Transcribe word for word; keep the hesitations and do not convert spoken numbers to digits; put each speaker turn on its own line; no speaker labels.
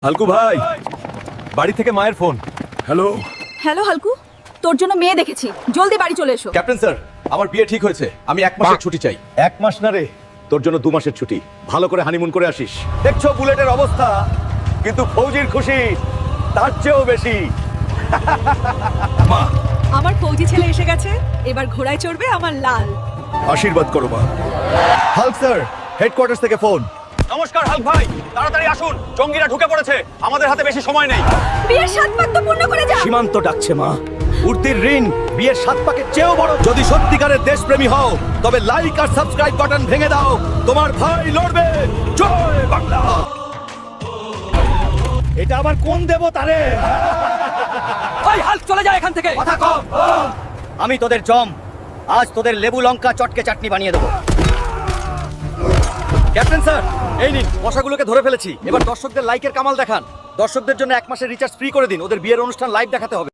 হালকু ভাই, বাড়ি থেকে মায়ের ফোন।
হ্যালো।
হ্যালো হালকু, তোর জন্য মেয়ে দেখেছি, জলদি বাড়ি চলে এসো।
ক্যাপ্টেন স্যার, আমার বিয়ে ঠিক হয়েছে, আমি এক মাসের ছুটি চাই। এক মাস না রে, তোর জন্য দু মাসের ছুটি। ভালো করে হানিমুন করে আসিস। দেখছো বুলেটের অবস্থা, কিন্তু ফৌজির খুশি তার চেয়েও বেশি।
মা,
আমার ফৌজি ছেলে এসে গেছে, এবার ঘোড়ায় চড়বে আমার লাল।
আশীর্বাদ করো মা।
হাল্ক স্যার, হেডকোয়ার্টার্স থেকে ফোন। নমস্কার হাল্ক ভাই, তাড়াতাড়ি আসুন, জঙ্গিরা ঢুকে পড়েছে, আমাদের হাতে বেশি সময় নেই।
বিয়ের সাত পাক তো পূর্ণ করে যা।
সীমান্ত ডাকছে মা। উর্দির ঋণ বিয়ের সাত পাকের চেয়েও বড়। যদি সত্যিকারের দেশপ্রেমী হও, তবে লাইক আর সাবস্ক্রাইব বাটন ভেঙে দাও। তোমার ভাই লড়বে। জয় বাংলা। এটা আবার কোন দেবতা রে?
ওই হাল্ক চলে যায় এখান থেকে।
কথা কম।
আমি তোদের জম, আজ তোদের লেবু লঙ্কা চটকে চাটনি বানিয়ে দেবো।
ক্যাপ্টেন স্যার, এই নিন, মশাগুলোকে ধরে ফেলেছি। এবার দর্শকদের লাইকের কামাল দেখান। দর্শকদের জন্য এক মাসের রিচার্জ ফ্রি করে দিন, ওদের বিয়ের অনুষ্ঠান লাইভ দেখাতে হবে।